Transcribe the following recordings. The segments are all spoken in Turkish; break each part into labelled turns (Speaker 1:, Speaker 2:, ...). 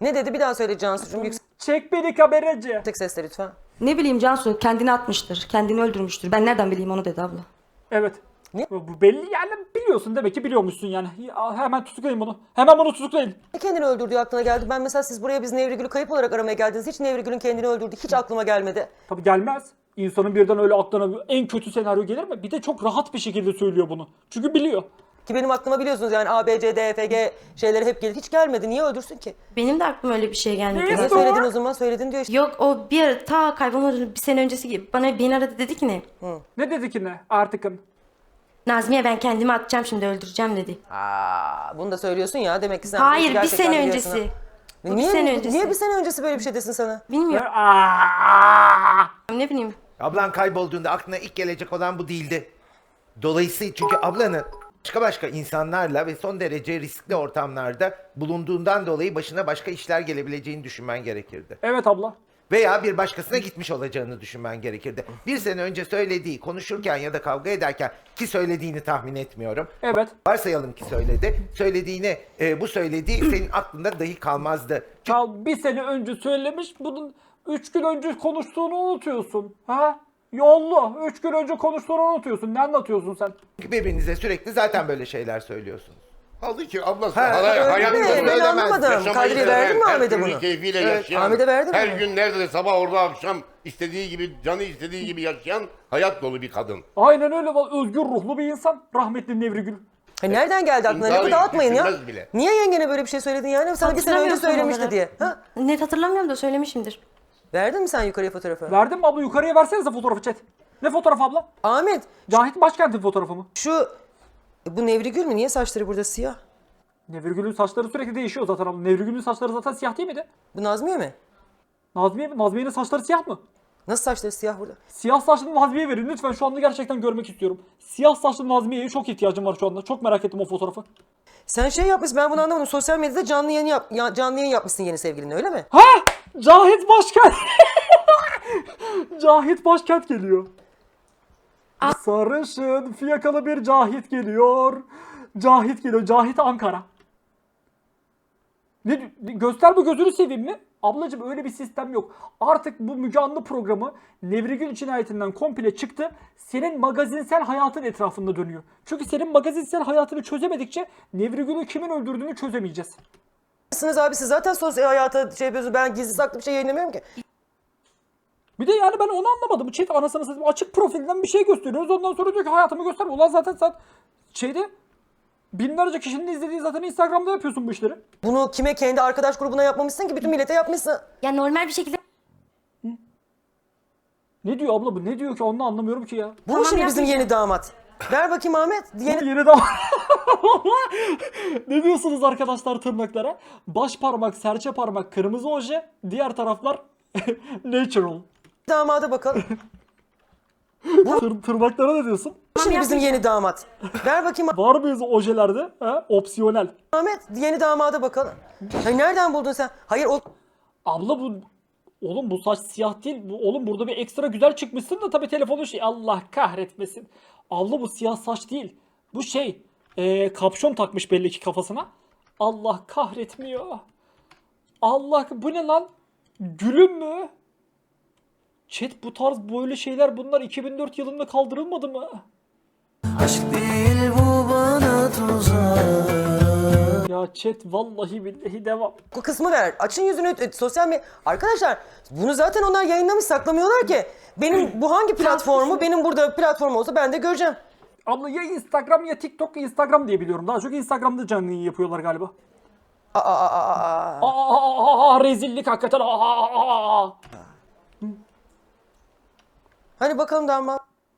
Speaker 1: Ne dedi bir daha söyle Cansu'cum
Speaker 2: Çek beni kameracı.
Speaker 1: yüksek sesle lütfen.
Speaker 3: Ne bileyim Cansu kendini atmıştır, kendini öldürmüştür. Ben nereden bileyim onu dedi abla.
Speaker 2: Evet.
Speaker 1: Ne?
Speaker 2: Bu belli yani, biliyorsun demek ki, biliyormuşsun yani. Ya, hemen tutuklayın bunu. Hemen bunu tutuklayın.
Speaker 1: Ne kendini öldürdüğü aklına geldi. Ben mesela siz buraya biz Nevrigül'ü kayıp olarak aramaya geldiniz. Hiç Nevrigül'ün kendini öldürdüğü hiç aklıma gelmedi.
Speaker 2: Tabii gelmez. İnsanın birden öyle aklına en kötü senaryo gelir mi? Bir de çok rahat bir şekilde söylüyor bunu. Çünkü biliyor.
Speaker 1: Ki benim aklıma biliyorsunuz yani A, B, C, D, F, G şeyleri hep gelir. Hiç gelmedi. Niye öldürsün ki?
Speaker 3: Benim de aklıma öyle bir şey gelmedi.
Speaker 1: Niye söyledin o zaman? Söyledin diyor işte.
Speaker 3: Yok o bir ara ta kaybolmadan bir sene öncesi gibi beni aradı dedi ki ne?
Speaker 2: Ne dedi ki ne artıkın?
Speaker 3: Nazmiye ben kendimi atacağım şimdi öldüreceğim dedi.
Speaker 1: Bunu da söylüyorsun ya demek ki sen.
Speaker 3: Hayır bir
Speaker 1: gerçekten
Speaker 3: sene
Speaker 1: biliyorsun ha.
Speaker 3: öncesi. Bu
Speaker 1: Niye,
Speaker 3: bir sene öncesi.
Speaker 1: niye bir sene öncesi böyle bir şey desin sana?
Speaker 3: Bilmiyorum
Speaker 2: Aa!
Speaker 3: ne bileyim.
Speaker 4: Ablan kaybolduğunda aklına ilk gelecek olan bu değildi. Dolayısıyla çünkü ablanın başka insanlarla ve son derece riskli ortamlarda bulunduğundan dolayı başına başka işler gelebileceğini düşünmen gerekirdi.
Speaker 2: Evet abla.
Speaker 4: Veya bir başkasına gitmiş olacağını düşünmen gerekirdi. Bir sene önce söylediği, konuşurken ya da kavga ederken, ki söylediğini tahmin etmiyorum.
Speaker 2: Evet.
Speaker 4: Varsayalım ki söyledi. Söylediğini, bu söylediği senin aklında dahi kalmazdı.
Speaker 2: Çal bir sene önce söylemiş, bunun 3 gün önce konuştuğunu unutuyorsun. Ha? Yollu. 3 gün önce konuştuğunu unutuyorsun. Ne anlatıyorsun sen?
Speaker 4: Çünkü birbirinize sürekli zaten böyle şeyler söylüyorsunuz.
Speaker 5: Kaldı ki ablası
Speaker 4: Ha, öyle
Speaker 5: hayatını
Speaker 4: mi? Ben
Speaker 5: yaşamayı
Speaker 1: anlamadım. Kadriye verdin mi
Speaker 5: her
Speaker 1: Ahmet'e
Speaker 5: türlü
Speaker 1: bunu?
Speaker 5: keyfiyle
Speaker 4: Evet,
Speaker 5: yaşayan,
Speaker 1: Ahmet'e verdin
Speaker 5: her
Speaker 1: mi?
Speaker 5: gün neredeyse sabah orada akşam istediği gibi, canı istediği gibi yaşayan hayat dolu bir kadın.
Speaker 2: Aynen öyle. Özgür ruhlu bir insan. Rahmetli Nevrigül.
Speaker 1: Nereden geldi aklına?
Speaker 5: İntiharı
Speaker 1: Lafı dağıtmayın ya.
Speaker 5: düşünmez bile.
Speaker 1: Niye yengene böyle bir şey söyledin yani? Sana bir sene önce
Speaker 3: Hatırlamıyorum tam
Speaker 1: söylemişti
Speaker 3: olarak.
Speaker 1: diye. Ha?
Speaker 3: Net hatırlamıyorum da söylemişimdir.
Speaker 1: Verdin mi sen yukarıya fotoğrafı?
Speaker 2: Verdin mi abla? Yukarıya versenize fotoğrafı chat. Ne fotoğrafı abla?
Speaker 1: Ahmet
Speaker 2: Cahit Başkent'in fotoğrafı mı?
Speaker 1: şu bu Nevrigül mü? Niye saçları burada siyah?
Speaker 2: Nevrigül'ün saçları sürekli değişiyor zaten abla. Nevrigül'ün saçları zaten siyah değil miydi?
Speaker 1: Bu Nazmiye mi?
Speaker 2: Nazmiye mi? Nazmiye'nin saçları siyah mı?
Speaker 1: Nasıl saçları siyah burada?
Speaker 2: Siyah saçlı Nazmiye verin lütfen, şu anda gerçekten görmek istiyorum. Siyah saçlı Nazmiye'ye çok ihtiyacım var şu anda. Çok merak ettim o fotoğrafı.
Speaker 1: Sen şey yapmışsın ben bunu anlamadım. Sosyal medyada canlı yayın yapmışsın yeni sevgilinle öyle mi?
Speaker 2: Ha! Cahit Başkent. Cahit Başkent geliyor. Sarışın fiyakalı bir Cahit geliyor. Cahit geliyor. Cahit Ankara. Göster bu, gözünü seveyim mi? Ablacığım öyle bir sistem yok. Artık bu Müge Anlı programı Nevrigül cinayetinden komple çıktı. Senin magazinsel hayatın etrafında dönüyor. Çünkü senin magazinsel hayatını çözemedikçe Nevrigül'ü kimin öldürdüğünü çözemeyeceğiz.
Speaker 1: Siz abi siz zaten sosyal hayata şey yapıyorsunuz. Ben gizli saklı bir şey yayınlamıyorum ki.
Speaker 2: Bir de yani ben onu anlamadım. Çift anasını satayım, açık profilden bir şey gösteriyoruz. Ondan sonra diyor ki hayatımı gösterme. Ulan zaten sen şeyde binlerce kişinin izlediği zaten Instagram'da yapıyorsun bu işleri.
Speaker 1: Bunu kime kendi arkadaş grubuna yapmamışsın ki bütün millete yapmışsın.
Speaker 3: Ya normal bir şekilde
Speaker 2: Ne diyor abla bu? Ne diyor ki? Onu anlamıyorum ki ya.
Speaker 1: Bu
Speaker 3: Tamam,
Speaker 1: şimdi bizim
Speaker 3: yapmayacağım.
Speaker 1: yeni damat. Ver bakayım Ahmet. Yeni
Speaker 2: Yeni de ne diyorsunuz arkadaşlar tırnaklara? Baş parmak, serçe parmak, kırmızı oje, diğer taraflar natural.
Speaker 1: damada bakalım.
Speaker 2: Tırnaklara ne diyorsun?
Speaker 1: Bu şimdi bizim yeni damat. Ver bakayım
Speaker 2: Var mıyız ojelerde? Ha? Opsiyonel.
Speaker 1: Ahmet. Yeni damada bakalım. Hayır, nereden buldun sen? Hayır o
Speaker 2: Abla bu, oğlum bu saç siyah değil. Oğlum burada bir ekstra güzel çıkmışsın da tabii telefonun şey, Allah kahretmesin. Abla bu siyah saç değil. Bu şey kapşon takmış belli ki kafasına. Allah kahretmiyor. Allah, bu ne lan? Gülüm mü? Chat, bu tarz böyle şeyler bunlar 2004 yılında kaldırılmadı mı?
Speaker 6: Aşk değil bu bana tuzak.
Speaker 2: Ya chat vallahi billahi devam.
Speaker 1: bu kısmı ver. Açın yüzünü sosyal medya. Arkadaşlar bunu zaten onlar yayınlamış saklamıyorlar ki. Benim bu hangi platformu? Benim burada platform olsa ben de göreceğim.
Speaker 2: Abla ya Instagram ya TikTok, Instagram diye biliyorum. Daha çok Instagram'da canlı yayın yapıyorlar galiba. Rezillik hakikaten.
Speaker 1: Hani bakalım damat.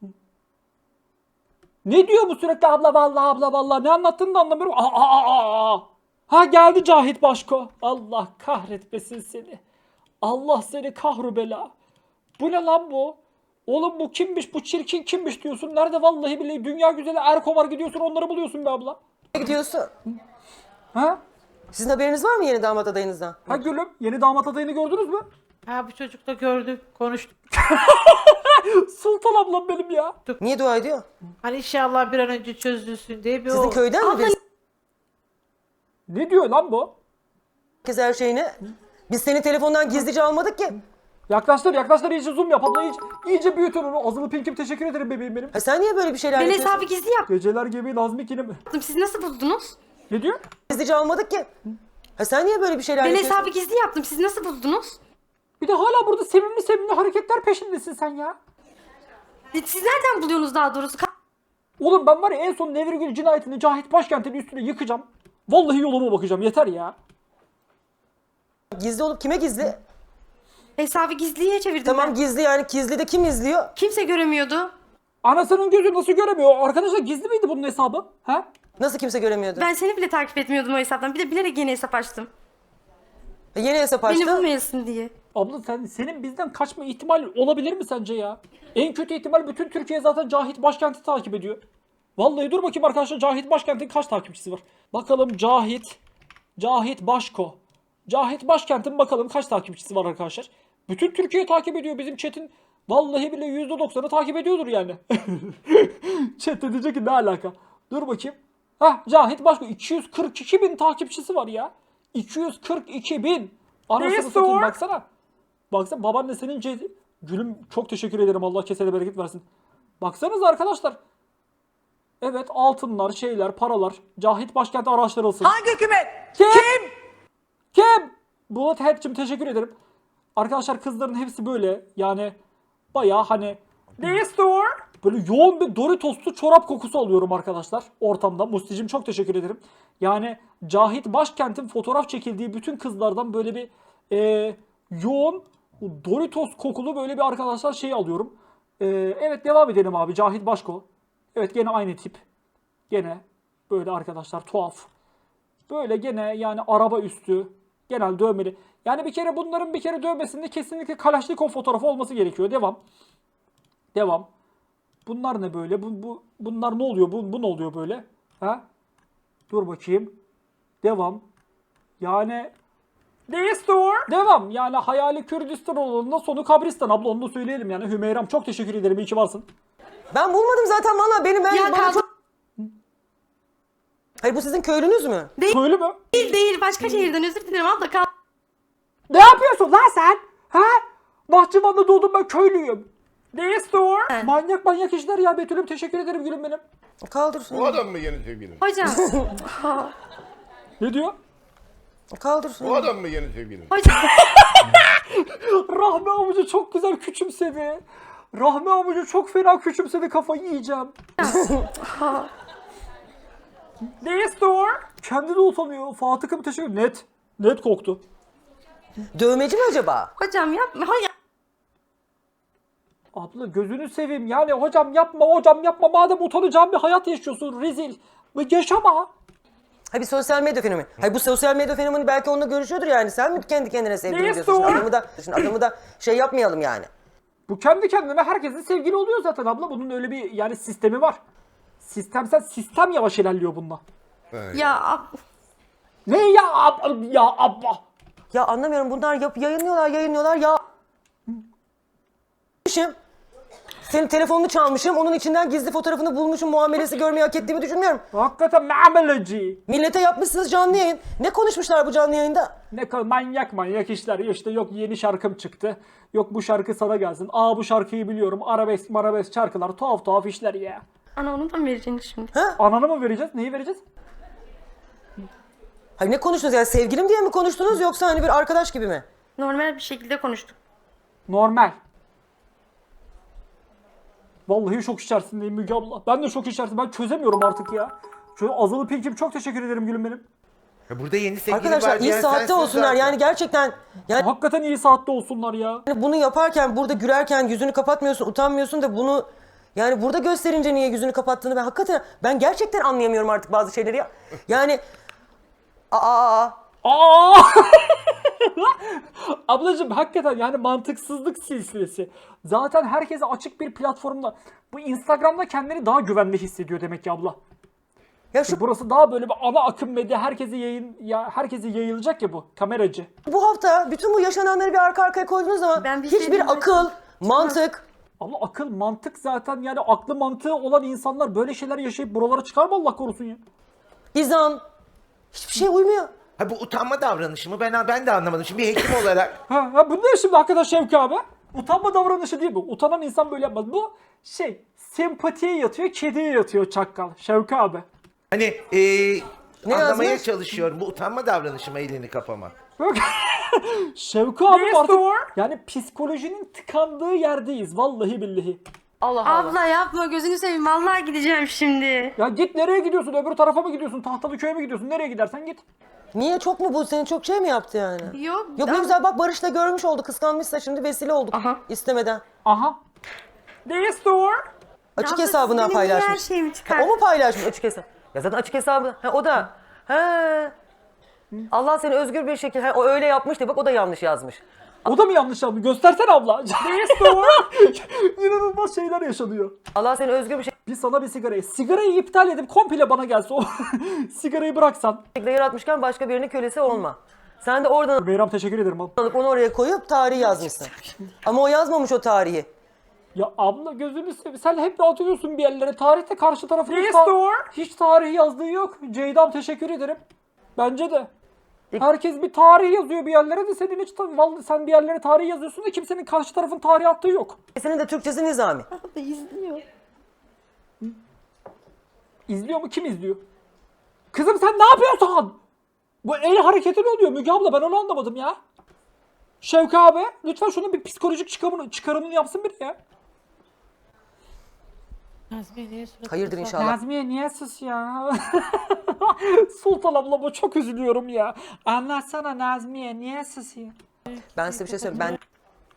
Speaker 2: Ne diyor bu sürekli abla vallahi abla vallahi, ne anlattığını da anlamıyorum. Ha geldi Cahit Başko. Allah kahretmesin seni. Allah seni kahrubela. Bu ne lan bu? Oğlum bu kimmiş, bu çirkin kimmiş diyorsun. Nerede vallahi billahi dünya güzeli Erko var, gidiyorsun onları buluyorsun be abla.
Speaker 1: Gidiyorsun.
Speaker 2: Ha?
Speaker 1: Sizin haberiniz var mı yeni damat adayınızdan?
Speaker 2: Ha gülüm, yeni damat adayını gördünüz mü?
Speaker 7: Ha bu çocuk da gördük, konuştuk.
Speaker 2: Sultan ablam benim ya.
Speaker 1: Niye dua ediyor?
Speaker 7: Hani inşallah bir an önce çözülsün diye bir
Speaker 1: Sizin köyden mi birisi?
Speaker 2: Ne diyor lan bu?
Speaker 1: herkes her şeyini. Biz seni telefondan gizlice almadık ki.
Speaker 2: Yaklaştır iyice zoom yap abla iyice büyütün onu. Azılı Pink'im teşekkür ederim bebeğim benim.
Speaker 1: Ha sen niye böyle bir şeyler
Speaker 3: Ben
Speaker 1: yapıyorsun?
Speaker 3: hesabı gizli
Speaker 2: Geceler gibi Nazmi yine mi?
Speaker 3: yaptım. Siz nasıl buldunuz?
Speaker 2: Ne diyor?
Speaker 1: Gizlice almadık ki. Ha sen niye böyle bir şeyler
Speaker 3: Ben
Speaker 1: yapıyorsun?
Speaker 3: hesabı gizli yaptım. Siz nasıl buldunuz?
Speaker 2: Bir de hala burada sevimli hareketler peşindesin sen ya.
Speaker 3: Siz nereden buluyorsunuz daha doğrusu?
Speaker 2: Oğlum ben var ya en son Nevirgül cinayetini Cahit Başkent'in üstüne yıkacağım. Vallahi yoluma bakacağım yeter ya.
Speaker 1: Gizli olup kime gizli?
Speaker 3: Hesabı gizliye çevirdim
Speaker 1: Tamam
Speaker 3: ben.
Speaker 1: gizli yani gizli de kim izliyor?
Speaker 3: Kimse göremiyordu.
Speaker 2: Anasının gözü nasıl göremiyor? Arkadaşlar gizli miydi bunun hesabı? Ha?
Speaker 1: Nasıl kimse göremiyordu?
Speaker 3: Ben seni bile takip etmiyordum o hesaptan. Bir de bilerek yeni hesap açtım.
Speaker 1: Yeni hesap
Speaker 3: Beni
Speaker 1: açtı.
Speaker 3: bulmayasın diye.
Speaker 2: Abla senin bizden kaçma ihtimali olabilir mi sence ya? En kötü ihtimal bütün Türkiye zaten Cahit Başkent'i takip ediyor. Vallahi dur bakayım arkadaşlar Cahit Başkent'in kaç takipçisi var? Bakalım Cahit Başko. Cahit Başkent'in bakalım kaç takipçisi var arkadaşlar? Bütün Türkiye takip ediyor bizim chat'in. Vallahi bile %90'ı takip ediyordur yani. Chat de diyecek ki ne alaka? Dur bakayım. Hah Cahit Başko 242 bin takipçisi var ya. 242 bin. Anasını satayım baksana. Baksana babaannesinin cedi. Gülüm çok teşekkür ederim Allah kesene bereket versin. Baksanıza arkadaşlar. Evet altınlar şeyler paralar. Cahit Başkent araştırılsın.
Speaker 8: Hangi hükümet?
Speaker 2: Kim? Bulut Hepçim teşekkür ederim. Arkadaşlar kızların hepsi böyle yani bayağı hani böyle yoğun bir Doritos'lu çorap kokusu alıyorum arkadaşlar ortamda. Musti'cim çok teşekkür ederim. Yani Cahit Başkent'in fotoğraf çekildiği bütün kızlardan böyle bir yoğun Doritos kokulu böyle bir arkadaşlar şey alıyorum. Evet devam edelim abi Cahit Başko. Evet gene aynı tip. Gene böyle arkadaşlar tuhaf. Böyle gene yani araba üstü. Genel dövmeli. Yani bir kere bunların bir kere dövmesinde kesinlikle Kalaşnikov fotoğrafı olması gerekiyor. Devam. Bunlar ne böyle? Bunlar ne oluyor? Bu ne oluyor böyle? Ha? Dur bakayım. Devam. Yani devam. Yani hayali Kürdistan olduğunda sonu Kabristan abla onu da söyleyelim yani. Hümeyram çok teşekkür ederim. İyi ki varsın.
Speaker 1: Ben bulmadım zaten valla benim
Speaker 3: Ya
Speaker 1: bana
Speaker 3: kaldı-
Speaker 1: çok... Hayır bu sizin köylünüz mü?
Speaker 2: Söyle mü?
Speaker 3: Değil. Başka şehirden özür dilerim abla.
Speaker 2: Ne yapıyorsun lan sen? Ha? Bahçıvan'da doğdum ben köylüyüm. Manyak işler ya Betül'üm teşekkür ederim gülüm benim.
Speaker 1: Kaldır.
Speaker 5: O adam mı yeni sevgilin?
Speaker 3: Hocam.
Speaker 2: Ne diyor?
Speaker 1: Kaldır.
Speaker 5: O adam mı yeni sevgilin?
Speaker 3: Hocam.
Speaker 2: Rahmi avucu çok güzel küçümsedi. Rahmi avucu çok fena küçümsedi kafayı yiyeceğim. Kendi de utanıyor. Fatık'a teşekkür ederim. Net koktu.
Speaker 1: Dövmeci mi acaba?
Speaker 3: Hocam yapma. Hocam.
Speaker 2: Abla gözünü seveyim yani hocam yapma madem utanacağım bir hayat yaşıyorsun rezil. Yaşama.
Speaker 1: Ha bir sosyal medya fenomeni. Hayır bu sosyal medya fenomeni belki onunla görüşüyordur yani. Sen mi kendi kendine sevgili
Speaker 2: Neyse
Speaker 1: diyorsun?
Speaker 2: o.
Speaker 1: Şimdi adamı da şey yapmayalım yani.
Speaker 2: Bu kendi kendine herkesin sevgili oluyor zaten abla. Bunun öyle bir yani sistemi var. Sistem yavaş ilerliyor bunda.
Speaker 3: Ya
Speaker 2: Ne ya abla?
Speaker 1: Ya anlamıyorum bunlar yayınlıyorlar ya. Senin telefonunu çalmışım, onun içinden gizli fotoğrafını bulmuşum, muamelesi görmeyi hak ettiğimi düşünmüyorum.
Speaker 2: Hakikaten muameleci.
Speaker 1: Millete yapmışsınız canlı yayın. Ne konuşmuşlar bu canlı yayında?
Speaker 2: Ne kadar manyak işler. İşte yok yeni şarkım çıktı. Yok bu şarkı sana gelsin. Aa bu şarkıyı biliyorum. Arabesk şarkılar. Tuhaf işler ya.
Speaker 3: ana onu da mı vereceksin şimdi?
Speaker 2: Ananı mı vereceğiz? Neyi vereceğiz?
Speaker 1: Hayır ne konuştunuz yani sevgilim diye mi konuştunuz yoksa hani bir arkadaş gibi mi?
Speaker 3: Normal bir şekilde konuştuk.
Speaker 2: Normal. Vallahi şok içerisindeyim Müge abla. Ben de şok içerisindeyim. Ben çözemiyorum artık ya. Şöyle Azılı Pink'im çok teşekkür ederim gülüm benim.
Speaker 4: Ya burada yeni sevgili
Speaker 1: Arkadaşlar
Speaker 4: var
Speaker 1: iyi
Speaker 4: diyen
Speaker 1: saatte
Speaker 4: sensin
Speaker 1: olsunlar
Speaker 4: zaten.
Speaker 1: yani gerçekten yani
Speaker 2: Hakikaten iyi saatte olsunlar ya.
Speaker 1: bunu yaparken burada gülerken yüzünü kapatmıyorsun utanmıyorsun da bunu yani burada gösterince niye yüzünü kapattığını ben gerçekten anlayamıyorum artık bazı şeyleri ya. Yani
Speaker 2: Aa! Ablacığım hakikaten yani mantıksızlık silsilesi. Zaten herkese açık bir platformda. Bu Instagram'da kendini daha güvenli hissediyor demek ki abla.
Speaker 1: ya şu
Speaker 2: Burası daha böyle bir ana akım medya herkese yayılacak ya bu kameracı.
Speaker 1: bu hafta bütün bu yaşananları bir arka arkaya koyduğunuz zaman
Speaker 3: Ben bir şey
Speaker 1: hiçbir
Speaker 3: diyeyim mi?
Speaker 1: akıl, mantık,
Speaker 2: Ama akıl mantık zaten yani aklı mantığı olan insanlar böyle şeyler yaşayıp buralara çıkar mı Allah korusun ya?
Speaker 1: izan hiçbir şey uymuyor.
Speaker 4: Ha bu utanma davranışı mı? Ben de anlamadım. Şimdi bir hekim olarak
Speaker 2: Ha, bu ne şimdi hakikaten Şevki abi? Utanma davranışı değil bu. Utanan insan böyle yapmaz. Bu sempatiye yatıyor, kediye yatıyor çakkal. Şevki abi.
Speaker 4: hani
Speaker 1: Ne
Speaker 4: anlamaya
Speaker 1: yazmış?
Speaker 4: çalışıyorum. Bu utanma davranışı mı elini kapama?
Speaker 2: Bak. Şevki abi artık yani psikolojinin tıkandığı yerdeyiz vallahi billahi.
Speaker 1: Allah Allah.
Speaker 8: Abla yapma gözünü seveyim vallahi gideceğim şimdi.
Speaker 2: Ya git nereye gidiyorsun? Öbür tarafa mı gidiyorsun? Tahtalıköy'e mi gidiyorsun? Nereye gidersen git.
Speaker 1: Niye çok mu bu? Seni çok şey mi yaptı yani?
Speaker 8: Yok.
Speaker 1: Yok ne güzel bak Barış da görmüş oldu. Kıskanmışsa şimdi vesile olduk.
Speaker 8: Aha.
Speaker 1: İstemeden.
Speaker 2: Aha. Destur.
Speaker 1: Açık
Speaker 8: Abla,
Speaker 1: hesabından
Speaker 8: siz benim niye
Speaker 1: paylaşmış.
Speaker 8: her şeyimi
Speaker 1: Ha,
Speaker 8: çıkar?
Speaker 1: o mu paylaşmış açık hesap? Ya zaten açık hesabı. Ha, o da. He. Allah seni özgür bir şekilde. O öyle yapmış da bak o da yanlış yazmış.
Speaker 2: O da mı yanlış yaptı? Göstersene abla. Destur. İnanılmaz şeyler yaşanıyor.
Speaker 1: Allah seni özgür bir
Speaker 2: Bir sana bir sigarayı. Sigarayı iptal edip komple bana gelse o sigarayı bıraksan.
Speaker 1: şekilde yaratmışken başka birinin kölesi olma. Sen de oradan
Speaker 2: Beyram teşekkür ederim abi.
Speaker 1: alıp onu oraya koyup tarihi yazmışsın. Ama o yazmamış o tarihi.
Speaker 2: Ya abla gözünü seveyim. Sen hep dağıtıyorsun bir yerlere. Tarihte karşı tarafın hiç tarihi yazdığı yok. Ceyda'm teşekkür ederim. Bence de. Herkes bir tarih yazıyor bir yerlere de senin hiç vallahi sen bir yerlere tarih yazıyorsun da kimsenin karşı tarafın tarih attığı yok.
Speaker 1: Senin de Türkçesi Nizami.
Speaker 2: İzliyor mu? Kim izliyor? Kızım sen ne yapıyorsun? Bu el hareketi ne oluyor Müge abla? Ben onu anlamadım ya. Şevki abi lütfen şunun bir psikolojik çıkarımını yapsın biri ya.
Speaker 7: Nazmiye niye suratı
Speaker 1: Hayırdır
Speaker 7: kızardı?
Speaker 1: inşallah.
Speaker 2: Nazmiye niye sus ya? Sultan ablama çok üzülüyorum ya. Anlatsana Nazmiye niye susuyor?
Speaker 1: Ben size bir şey söyleyeyim. Ben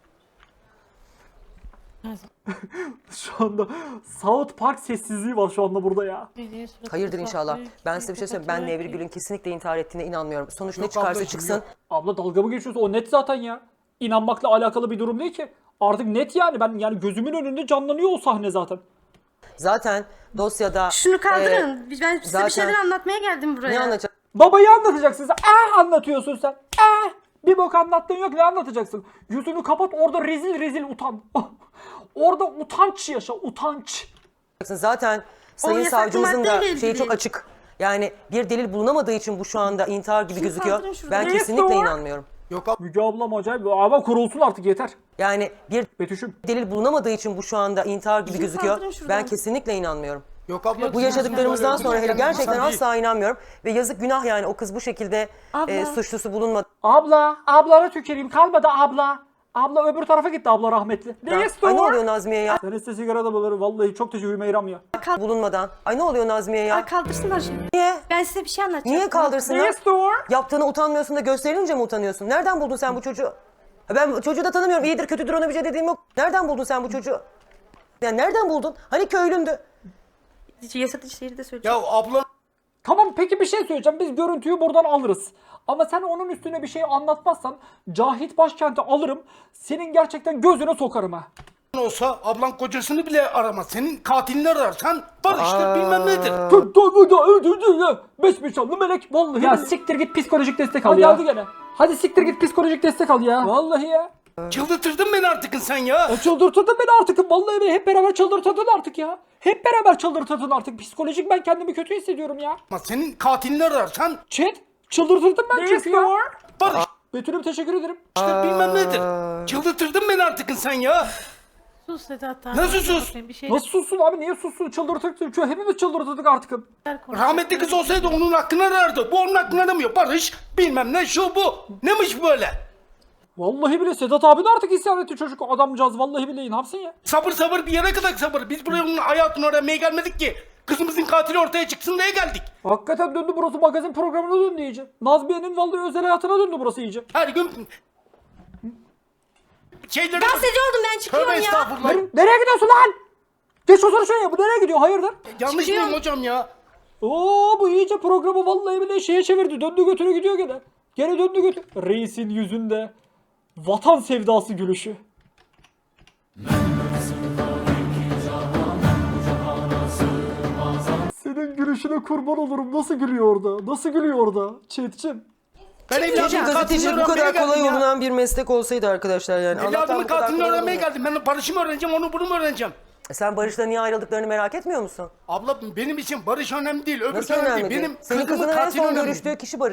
Speaker 2: Şu anda South Park sessizliği var şu anda burada ya.
Speaker 7: Niye suratı
Speaker 1: hayırdır
Speaker 7: kızardı?
Speaker 1: inşallah. Ben size bir şey söyleyeyim. Ben Nevri Gül'ün kesinlikle intihar ettiğine inanmıyorum. Sonuç ne çıkarsa çıksın.
Speaker 2: Abla dalga mı geçiyorsun? O net zaten ya. İnanmakla alakalı bir durum değil ki. Artık net yani. Ben yani gözümün önünde canlanıyor o sahne zaten.
Speaker 1: Zaten dosyada
Speaker 8: Şunu kaldırın. Ben size
Speaker 1: zaten-
Speaker 8: bir şeyler anlatmaya geldim buraya.
Speaker 1: ne anlatacak?
Speaker 2: Babayı anlatacaksın sen. Anlatıyorsun sen. Bir bok anlattığın yok ne anlatacaksın? Yüzünü kapat orada rezil rezil utan. Orada utanç yaşa utanç.
Speaker 1: Zaten Sayın
Speaker 8: yasak
Speaker 1: Savcımızın da
Speaker 8: maddeyle
Speaker 1: şeyi
Speaker 8: ilgili.
Speaker 1: çok açık. Yani bir delil bulunamadığı için bu şu anda intihar gibi gözüküyor.
Speaker 8: kaldırın şuradan.
Speaker 1: Ben
Speaker 2: Neyse
Speaker 1: kesinlikle
Speaker 2: o.
Speaker 1: inanmıyorum.
Speaker 2: Müge ablam acayip. Ama kurulsun artık yeter.
Speaker 1: Yani bir
Speaker 2: Betüş'üm.
Speaker 1: delil bulunamadığı için bu şu anda intihar gibi gözüküyor.
Speaker 8: kaldırın şuradan.
Speaker 1: Ben kesinlikle inanmıyorum.
Speaker 9: Yok abla.
Speaker 1: Bu yaşadıklarımızdan
Speaker 9: Öyle
Speaker 1: sonra hele
Speaker 9: kendini
Speaker 1: gerçekten
Speaker 9: insan değil.
Speaker 1: asla inanmıyorum. Ve yazık günah yani o kız bu şekilde
Speaker 8: Abla.
Speaker 1: suçlusu bulunmadı.
Speaker 2: Ablana tüküreyim kalmadı abla. Abla öbür tarafa gitti abla rahmetli.
Speaker 1: Ay ne oluyor Nazmiye ya?
Speaker 2: Sen iste sigara da bulur. Vallahi çok teşekkür Meyram ya.
Speaker 1: Bulunmadan. Ay ne oluyor Nazmiye ya?
Speaker 8: Ay, kaldırsınlar şimdi.
Speaker 1: Niye?
Speaker 8: Ben size bir şey anlatacağım.
Speaker 1: Niye kaldırsınlar? Yaptığına utanmıyorsun da gösterilince mi utanıyorsun? Nereden buldun sen bu çocuğu? Ben bu çocuğu da tanımıyorum. İyidir kötüdür ona bir şey dediğim yok. Nereden buldun sen bu çocuğu? Yani nereden buldun? Hani köylündü.
Speaker 8: Yasatıcı şehri de söyleyeceğim.
Speaker 9: Ya abla.
Speaker 2: Tamam peki bir şey söyleyeceğim. Biz görüntüyü buradan alırız. Ama sen onun üstüne bir şey anlatmazsan Cahit Başkent'i alırım. Senin gerçekten gözüne sokarım ha.
Speaker 9: Olsa ablan kocasını bile aramaz. Senin katilini ararsan barıştır bilmem nedir.
Speaker 2: Beş nişanlı melek. Vallahi. Ya siktir git psikolojik destek al ya. Geldi gene. Hadi siktir git psikolojik destek al ya. Vallahi ya.
Speaker 9: Çıldırtırdın beni artık sen ya.
Speaker 2: Çıldırtırdın beni artık. Vallahi beni hep beraber çıldırtırdın artık ya. Hep beraber çıldırtırdın artık. Psikolojik ben kendimi kötü hissediyorum ya.
Speaker 9: Ama senin katilini ararsan
Speaker 2: Chat çıldırtırdın ben çünkü ya.
Speaker 9: barıştır
Speaker 2: Betül'üm teşekkür ederim.
Speaker 9: bilmem nedir. Çıldırtırdın beni artık sen ya.
Speaker 7: Sus Sedat abi.
Speaker 9: Nasıl sus?
Speaker 7: Bir şey
Speaker 2: Nasıl sussun abi? Niye sussun? Çıldırtırdık. Hepimiz çıldırtırdık artık.
Speaker 9: Rahmetli kız olsaydı onun hakkını arardı. Bu onun hakkını aramıyor. Barış bilmem ne şu bu. Neymiş böyle?
Speaker 2: Vallahi bile Sedat abi de artık isyan etti çocuk adamcağız. Vallahi bile ne yapsın ya?
Speaker 9: Sabır bir yere kadar sabır. Biz buraya onun hayatını aramaya gelmedik ki. Kızımızın katili ortaya çıksın diye geldik.
Speaker 2: Hakikaten döndü burası magazin programına döndü iyice. Nazmiye'nin vallahi özel hayatına döndü burası iyice.
Speaker 9: Her gün şeyleri...
Speaker 8: Gazeteci oldum ben çıkıyorum
Speaker 9: Tövbe
Speaker 8: ya.
Speaker 9: estağfurullah.
Speaker 2: Nereye gidiyorsun lan? Geç otur şuraya. Bu nereye gidiyor? Hayırdır?
Speaker 9: Yanlış mıyım hocam ya?
Speaker 2: Oo bu iyice programı vallahi bile şeye çevirdi. Döndü götürü gidiyor gene. Gene döndü götür. Reisin yüzünde vatan sevdası gülüşü. Senin gülüşüne kurban olurum. Nasıl gülüyor orada? Nasıl gülüyor orada? Chat'cim.
Speaker 9: Ben
Speaker 1: Keşke
Speaker 9: evladımın
Speaker 1: gazeteci
Speaker 9: katilini
Speaker 1: bu kadar
Speaker 9: öğrenmeye
Speaker 1: kolay
Speaker 9: geldim ya.
Speaker 1: olunan bir meslek olsaydı arkadaşlar yani. Allah'tan
Speaker 9: Evladımın
Speaker 1: bu kadar
Speaker 9: katilini
Speaker 1: kolay
Speaker 9: öğrenmeye
Speaker 1: olmuyor.
Speaker 9: geldim. Ben Barış'ı mı öğreneceğim, onu bunu mu öğreneceğim?
Speaker 1: Sen Barış'la niye ayrıldıklarını merak etmiyor musun?
Speaker 9: Abla benim için Barış önemli değil. Öbür
Speaker 1: Nasıl
Speaker 9: önemli
Speaker 1: önemli
Speaker 9: değil.
Speaker 1: değil?
Speaker 9: Benim
Speaker 1: Senin
Speaker 9: kızımın
Speaker 1: kızının en
Speaker 9: katili
Speaker 1: son
Speaker 9: önemli.
Speaker 1: görüştüğü kişi Barış.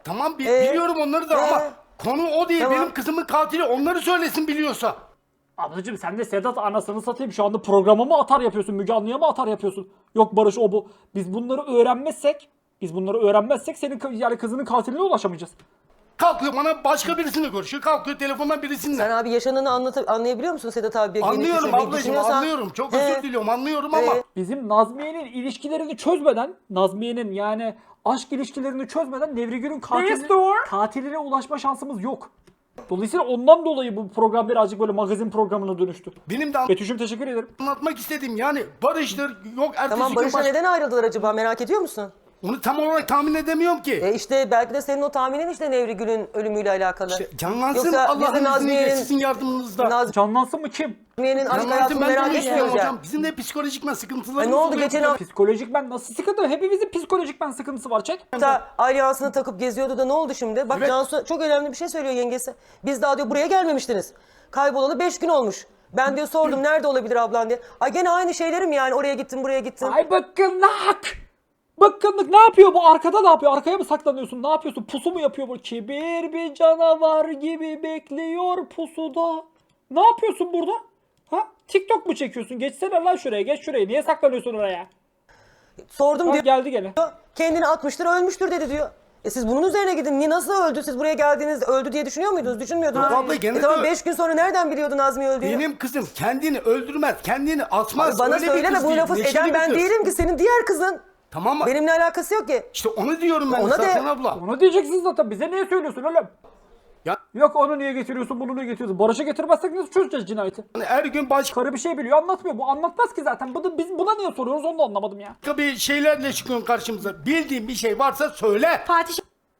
Speaker 9: tamam biliyorum onları da ama konu o değil.
Speaker 1: Tamam.
Speaker 9: Benim kızımın katili onları söylesin biliyorsa.
Speaker 2: Ablacığım sen de Sedat anasını satayım şu anda programa mı atar yapıyorsun? Müge Anlı'ya mı atar yapıyorsun? Yok Barış o bu. Biz bunları öğrenmezsek senin yani kızının katiline ulaşamayacağız.
Speaker 9: Kalkıyor bana başka birisini görüşüyor. Kalkıyor telefondan birisinle.
Speaker 1: Sen abi yaşananı anlayabiliyor musun Sedat abiye?
Speaker 9: Anlıyorum ablacığım anlıyorum. Çok özür diliyorum anlıyorum ama.
Speaker 2: Bizim Nazmiye'nin ilişkilerini çözmeden, Nazmiye'nin yani aşk ilişkilerini çözmeden Nevrigül'ün katiline ulaşma şansımız yok. Dolayısıyla ondan dolayı bu program birazcık böyle magazin programına dönüştü.
Speaker 9: Benim de
Speaker 2: Betüş'üm teşekkür ederim.
Speaker 9: anlatmak istediğim yani Barış'tır yok ertesi
Speaker 1: Tamam
Speaker 9: gün
Speaker 1: Barış'la neden ayrıldılar acaba merak ediyor musun?
Speaker 9: Onu tam olarak tahmin edemiyorum ki.
Speaker 1: İşte belki de senin o tahminin işte Nevrigül'ün ölümüyle alakalı.
Speaker 9: Canlansın
Speaker 1: Yoksa
Speaker 9: Allah'ın
Speaker 1: biz de
Speaker 9: izniyle
Speaker 1: Nazmiye'nin
Speaker 9: sizin yardımınızda.
Speaker 2: Canlansın mı kim?
Speaker 1: Nazmiye'nin aşk
Speaker 9: Canlansın
Speaker 1: hayatını
Speaker 9: ben de
Speaker 1: merak
Speaker 9: onu istiyorum
Speaker 1: etmiyoruz ya.
Speaker 9: hocam. Bizim de psikolojikmen sıkıntılarımız
Speaker 1: Ne oldu
Speaker 9: oluyor.
Speaker 1: geçen hafta
Speaker 2: Psikolojik ben nasıl sıkıntı? Hepimizin psikolojik ben sıkıntısı var çek.
Speaker 1: alyansını takıp geziyordu da ne oldu şimdi? Bak
Speaker 9: Evet.
Speaker 1: Cansu çok önemli bir şey söylüyor yengesi. Biz daha diyor buraya gelmemiştiniz. Kaybolalı 5 gün olmuş. Ben diyor sordum nerede olabilir ablan diye. Ay gene aynı şeylerim yani oraya gittim buraya gittim.
Speaker 2: Ay bıkkınlık! Bıkkınlık ne yapıyor bu? Arkada ne yapıyor? Arkaya mı saklanıyorsun? Ne yapıyorsun? Pusu mu yapıyor bu? Kibir bir canavar gibi bekliyor pusuda. Ne yapıyorsun burada? Ha? TikTok mu çekiyorsun? Geçsene lan şuraya. Geç şuraya. Niye saklanıyorsun oraya?
Speaker 1: Sordum
Speaker 2: Ha,
Speaker 1: diyor.
Speaker 2: geldi gene.
Speaker 1: Kendini atmıştır ölmüştür dedi diyor. Siz bunun üzerine gidin. Niye nasıl öldü? Siz buraya geldiğinizde öldü diye düşünüyor muydunuz? Düşünmüyordunuz.
Speaker 9: Abla gene
Speaker 1: Tamam
Speaker 9: de-
Speaker 1: 5 gün sonra nereden biliyordun Nazmiye öldüğünü?
Speaker 9: Benim kızım kendini öldürmez, kendini atmaz.
Speaker 1: Bana
Speaker 9: Öyle bir
Speaker 1: söyleme
Speaker 9: kız
Speaker 1: bu
Speaker 9: değil,
Speaker 1: lafı
Speaker 9: neşeli
Speaker 1: eden
Speaker 9: bir
Speaker 1: ben
Speaker 9: kız.
Speaker 1: değilim ki senin diğer kızın.
Speaker 9: Tamam mı?
Speaker 1: Benimle alakası yok ki.
Speaker 9: İşte onu diyorum ben
Speaker 1: Ona
Speaker 9: zaten
Speaker 1: de-
Speaker 9: abla.
Speaker 2: Onu diyeceksin zaten. Bize niye söylüyorsun oğlum?
Speaker 9: Ya-
Speaker 2: Yok onu niye getiriyorsun, bunu niye getiriyorsun? Barış'a getirmezsek nasıl çözeceğiz cinayeti?
Speaker 9: Yani her gün başka
Speaker 2: Karı bir şey biliyor anlatmıyor. Bu anlatmaz ki zaten. Biz buna niye soruyoruz onu da anlamadım ya.
Speaker 9: bir şeylerle çıkıyorsun karşımıza. Bildiğin bir şey varsa söyle.
Speaker 8: Fatih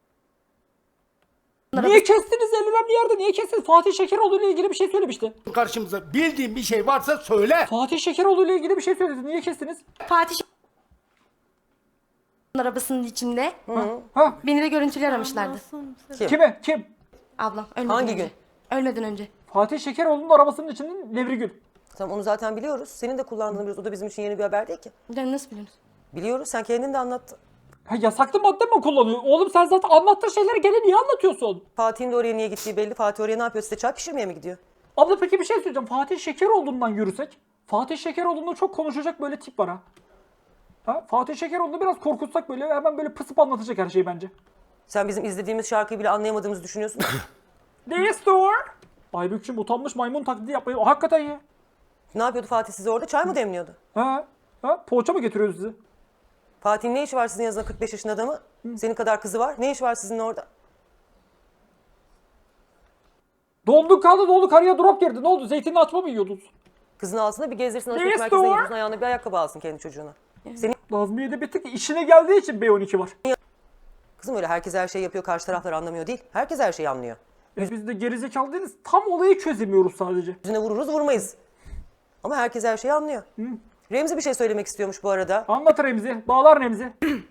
Speaker 2: Niye kestiniz en önemli yerde? Niye kestiniz? Fatih Şekeroğlu ile ilgili bir şey söylemişti.
Speaker 9: Karşımıza bildiğin bir şey varsa söyle.
Speaker 2: Fatih Şekeroğlu ile ilgili bir şey söyledi. Niye kestiniz?
Speaker 8: Fatih arabasının içinde
Speaker 2: Ha?
Speaker 8: beni de görüntüler aramışlardı.
Speaker 2: Kime? Kim?
Speaker 8: Ablam ölmeden
Speaker 1: Hangi
Speaker 8: önce.
Speaker 1: gün?
Speaker 8: Ölmeden önce.
Speaker 2: Fatih Şekeroğlu'nun arabasının içinde Nevrigül.
Speaker 1: Tamam onu zaten biliyoruz. Senin de kullandığını biliyoruz. O da bizim için yeni bir haber değil ki.
Speaker 8: Yani nasıl biliyorsunuz?
Speaker 1: Biliyoruz. Sen kendin de anlattın.
Speaker 2: Ha, yasaklı madde mi kullanıyor? Oğlum sen zaten anlattığın şeyleri gene niye anlatıyorsun?
Speaker 1: Fatih'in de oraya niye gittiği belli. Fatih oraya ne yapıyor? Size çay pişirmeye mi gidiyor?
Speaker 2: Abla peki bir şey söyleyeceğim. Fatih Şekeroğlu'ndan yürüsek. Fatih Şekeroğlu'nda çok konuşacak böyle tip var ha. Ha? Fatih Şekeroğlu'nu biraz korkutsak böyle hemen böyle pısıp anlatacak her şeyi bence.
Speaker 1: Sen bizim izlediğimiz şarkıyı bile anlayamadığımızı düşünüyorsun.
Speaker 2: Ne store? Aybükçüm utanmış maymun taklidi yapmayı. Hakikaten ya.
Speaker 1: Ne yapıyordu Fatih size orada? Çay mı demliyordu?
Speaker 2: Ha? Ha? Poğaça mı getiriyor sizi?
Speaker 1: Fatih'in ne işi var sizin yanınızda 45 yaşında adamı? Senin kadar kızı var. Ne işi var sizin orada?
Speaker 2: Donduk kaldı doldu karıya drop girdi. Ne oldu? Zeytinli açma mı yiyordunuz?
Speaker 1: Kızını alsın da bir gezdirsin alışveriş
Speaker 2: Yes,
Speaker 1: merkezine
Speaker 2: doğru.
Speaker 1: götürsün. Ayağına bir ayakkabı alsın kendi çocuğuna. Senin
Speaker 2: Nazmiye'de bir tık işine geldiği için B12 var.
Speaker 1: kızım öyle herkes her şeyi yapıyor. Karşı taraflar anlamıyor değil. Herkes her şeyi anlıyor.
Speaker 2: Biz de gerizekalı değiliz. Tam olayı çözemiyoruz sadece.
Speaker 1: Yüzüne vururuz vurmayız. Ama herkes her şeyi anlıyor. Remzi bir şey söylemek istiyormuş bu arada.
Speaker 2: Anlat Remzi. Bağlar Remzi.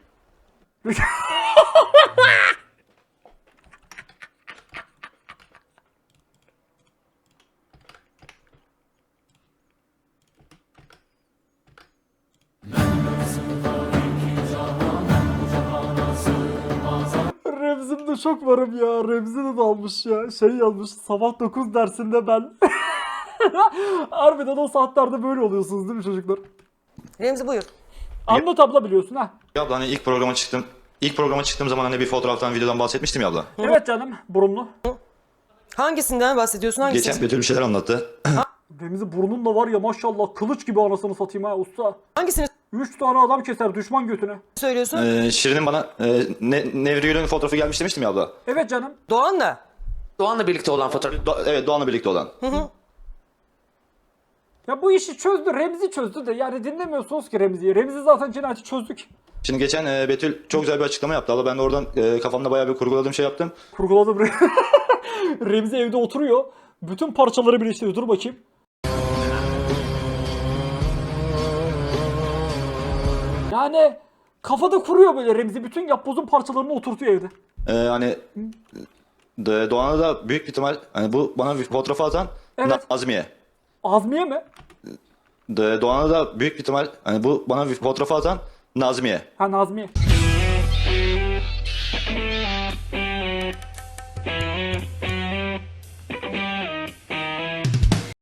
Speaker 2: Remzi'mde çok varım ya. Remzi de dalmış ya. Şey yazmış. Sabah 9 dersinde ben. Harbiden o saatlerde böyle oluyorsunuz değil mi çocuklar?
Speaker 1: Remzi buyur.
Speaker 2: Anlat abla biliyorsun ha.
Speaker 10: Ya abla hani ilk programa çıktığım zaman hani bir fotoğraftan videodan bahsetmiştim ya abla.
Speaker 2: Evet canım burunlu.
Speaker 1: Hangisinden bahsediyorsun? Hangisi?
Speaker 10: Geçen Betül bir şeyler anlattı.
Speaker 2: Remzi burnun da var ya maşallah kılıç gibi anasını satayım ha usta.
Speaker 1: Hangisini
Speaker 2: 3 tane adam keser düşman götüne.
Speaker 1: söylüyorsun?
Speaker 10: Şirin'in bana Nevrigül'ün fotoğrafı gelmiş demiştim ya abla.
Speaker 2: Evet canım.
Speaker 1: Doğan'la.
Speaker 6: Doğan'la birlikte olan fotoğraf.
Speaker 10: Evet Doğan'la birlikte olan.
Speaker 2: Ya bu işi çözdü Remzi çözdü de yani dinlemiyorsunuz ki Remzi'yi. Remzi zaten cinayeti çözdük.
Speaker 10: Şimdi geçen Betül çok güzel bir açıklama yaptı abla. Ben de oradan kafamda bayağı bir kurguladığım şey yaptım.
Speaker 2: Kurguladım. Remzi evde oturuyor. Bütün parçaları birleştiriyor. Dur bakayım. Yani kafada kuruyor böyle Remzi. Bütün yapbozun parçalarını oturtuyor evde.
Speaker 10: Hani Doğan'a da büyük bir ihtimal hani bu bana bir fotoğrafı atan
Speaker 2: Evet.
Speaker 10: Nazmiye.
Speaker 2: Azmiye mi?
Speaker 10: Doğan'a da büyük bir ihtimal hani bu bana bir fotoğrafı atan Nazmiye.
Speaker 2: Ha Nazmiye.